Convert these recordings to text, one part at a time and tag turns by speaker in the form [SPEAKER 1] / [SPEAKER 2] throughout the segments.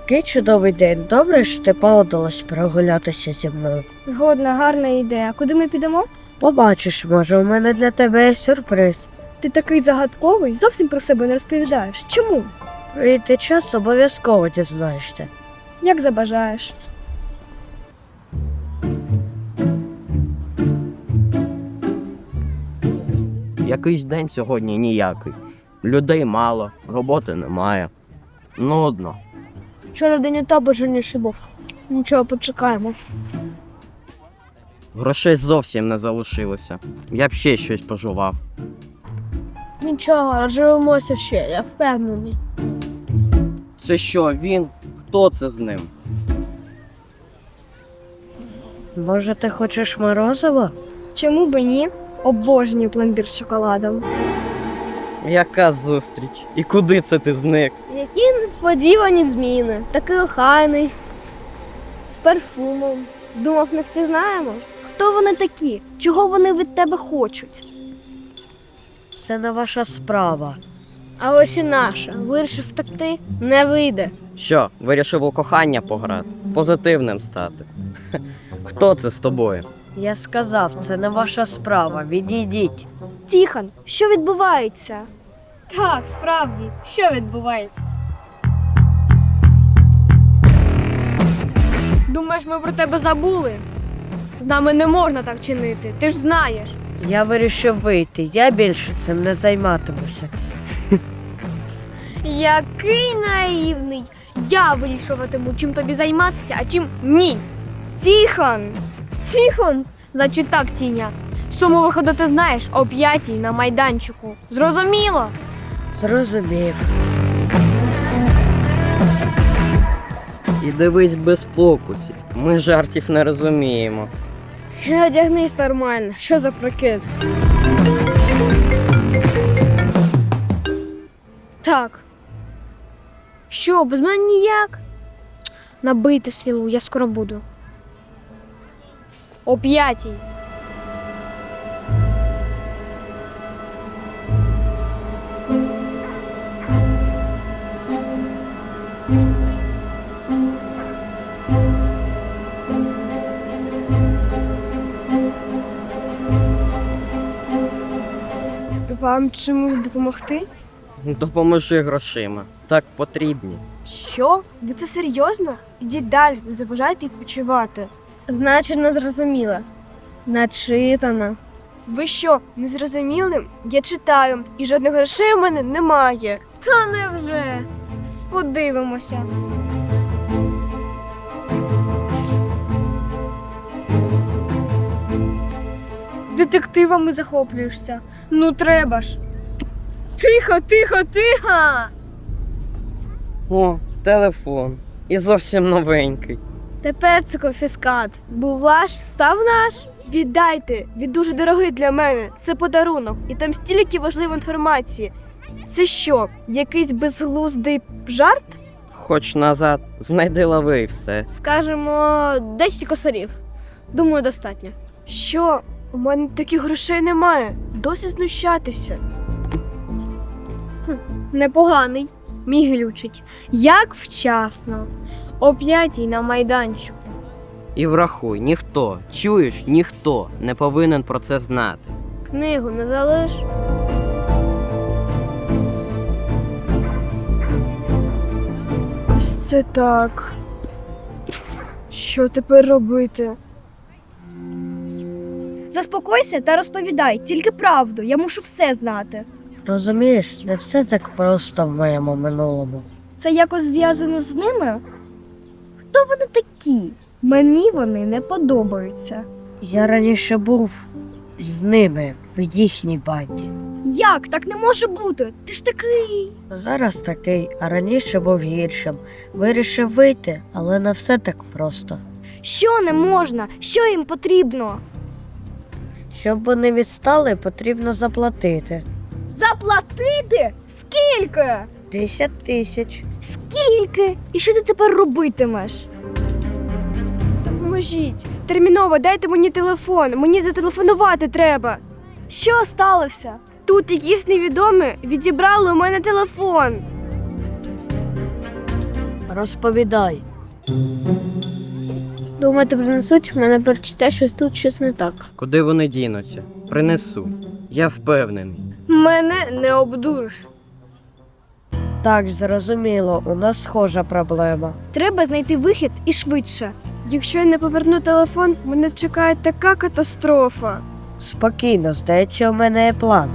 [SPEAKER 1] Який чудовий день. Добре, що ти погодилась прогулятися зі мною.
[SPEAKER 2] Згодна, гарна ідея. Куди ми підемо?
[SPEAKER 1] Побачиш, може, у мене для тебе є сюрприз.
[SPEAKER 2] Ти такий загадковий, зовсім про себе не розповідаєш. Чому?
[SPEAKER 1] Прийде час, обов'язково дізнаєшся.
[SPEAKER 2] Як забажаєш.
[SPEAKER 3] Якийсь день сьогодні ніякий. Людей мало, роботи немає. Нудно.
[SPEAKER 2] Вчора день етапу раніше був. Нічого, почекаємо.
[SPEAKER 3] Грошей зовсім не залишилося. Я б ще щось пожував.
[SPEAKER 2] Нічого, розживемося ще, я впевнений.
[SPEAKER 3] Це що, він? Хто це з ним?
[SPEAKER 1] Може, ти хочеш морозиво?
[SPEAKER 2] Чому б і ні? Обожнюю пломбір з шоколадом.
[SPEAKER 3] Яка зустріч? І куди це ти зник?
[SPEAKER 2] Які несподівані зміни. Такий охайний. З парфумом. Думав, не впізнаємо? Хто вони такі? Чого вони від тебе хочуть?
[SPEAKER 1] Це не ваша справа.
[SPEAKER 2] А ось і наша. Вирішив втекти? Не вийде.
[SPEAKER 3] Що, вирішив у кохання пограти? Позитивним стати? Хто це з тобою?
[SPEAKER 1] Я сказав, це не ваша справа. Відійдіть.
[SPEAKER 2] Тихон, що відбувається? Так, справді, що відбувається? Думаєш, ми про тебе забули? З нами не можна так чинити, ти ж знаєш.
[SPEAKER 1] Я вирішив вийти. Я більше цим не займатимуся.
[SPEAKER 2] Який наївний! Я вирішуватиму, чим тобі займатися, а чим ні. Тихон! Тихон! Значить так, Тіня. Суму виходу ти знаєш о 5:00 на майданчику. Зрозуміло?
[SPEAKER 1] Зрозумів.
[SPEAKER 3] І дивись без фокусів. Ми жартів не розуміємо.
[SPEAKER 2] Одягнись нормально. Що за прикид? Так. Що, без мене ніяк? Набийте свілу, я скоро буду. О 5:00. Вам чимось допомогти?
[SPEAKER 3] Допоможи грошима. Так потрібні.
[SPEAKER 2] Що? Ви це серйозно? Ідіть далі, не заважайте відпочивати. Значить, не зрозуміла. Начитана. Ви що, не зрозуміли? Я читаю, і жодних грошей у мене немає. Та невже? Подивимося. Детективами захоплюєшся. Ну треба ж. Тихо, тихо, тихо!
[SPEAKER 3] О, телефон. І зовсім новенький.
[SPEAKER 2] Тепер це конфіскат. Був ваш, став наш. Віддайте, він дуже дорогий для мене. Це подарунок, і там стільки важливої інформації. Це що, якийсь безглуздий жарт?
[SPEAKER 3] Хоч назад, знайди лави і все.
[SPEAKER 2] Скажемо, 10 косарів. Думаю, достатньо. Що? У мене таких грошей немає. Досить знущатися. Непоганий. Мій глючить. Як вчасно. О 5:00 на майданчику.
[SPEAKER 3] І врахуй, ніхто, чуєш, ніхто не повинен про це знати.
[SPEAKER 2] Книгу не залиш. Ось це так. Що тепер робити? Заспокойся та розповідай, тільки правду. Я мушу все знати.
[SPEAKER 1] Розумієш, не все так просто в моєму минулому.
[SPEAKER 2] Це якось зв'язано з ними? Хто вони такі? Мені вони не подобаються.
[SPEAKER 1] Я раніше був з ними в їхній банді.
[SPEAKER 2] Як? Так не може бути. Ти ж такий.
[SPEAKER 1] Зараз такий, а раніше був гіршим. Вирішив вийти, але не все так просто.
[SPEAKER 2] Що не можна? Що їм потрібно?
[SPEAKER 1] Щоб вони відстали, потрібно заплатити.
[SPEAKER 2] Заплатити? Скільки?
[SPEAKER 1] 10 000.
[SPEAKER 2] Скільки? І що ти тепер робитимеш? Допоможіть. Терміново дайте мені телефон. Мені зателефонувати треба. Що сталося? Тут якісь невідомі відібрали у мене телефон.
[SPEAKER 1] А Розповідай.
[SPEAKER 2] Думаєте, принесуть? Мене перечите, що тут щось не так.
[SPEAKER 3] Куди вони дінуться? Принесу. Я впевнений.
[SPEAKER 2] Мене не обдуриш.
[SPEAKER 1] Так, зрозуміло, у нас схожа проблема.
[SPEAKER 2] Треба знайти вихід і швидше. Якщо я не поверну телефон, мене чекає така катастрофа.
[SPEAKER 1] Спокійно, здається, у мене є план.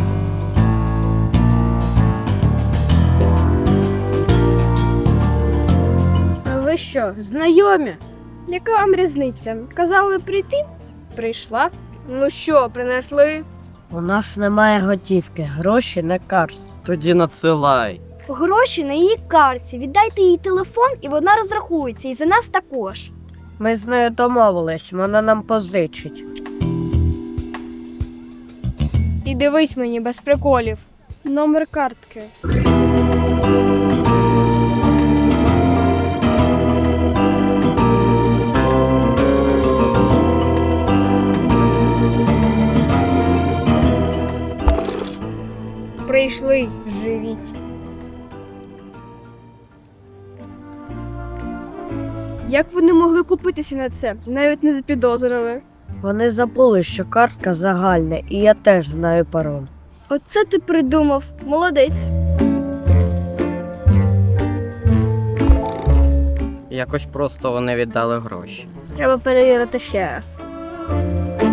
[SPEAKER 2] А ви що, знайомі? Яка вам різниця? Казали прийти? Прийшла. Ну що, принесли?
[SPEAKER 1] У нас немає готівки, гроші на карті.
[SPEAKER 3] Тоді надсилай.
[SPEAKER 4] Гроші на її картці. Віддайте їй телефон, і вона розрахується. І за нас також.
[SPEAKER 1] Ми з нею домовились, вона нам позичить.
[SPEAKER 2] І дивись мені без приколів. Номер картки. Прийшли, живіть. Як вони могли купитися на це? Навіть не запідозрили.
[SPEAKER 1] Вони забули, що картка загальна, і я теж знаю пароль.
[SPEAKER 4] Оце ти придумав. Молодець.
[SPEAKER 3] Якось просто вони віддали гроші.
[SPEAKER 2] Треба перевірити ще раз.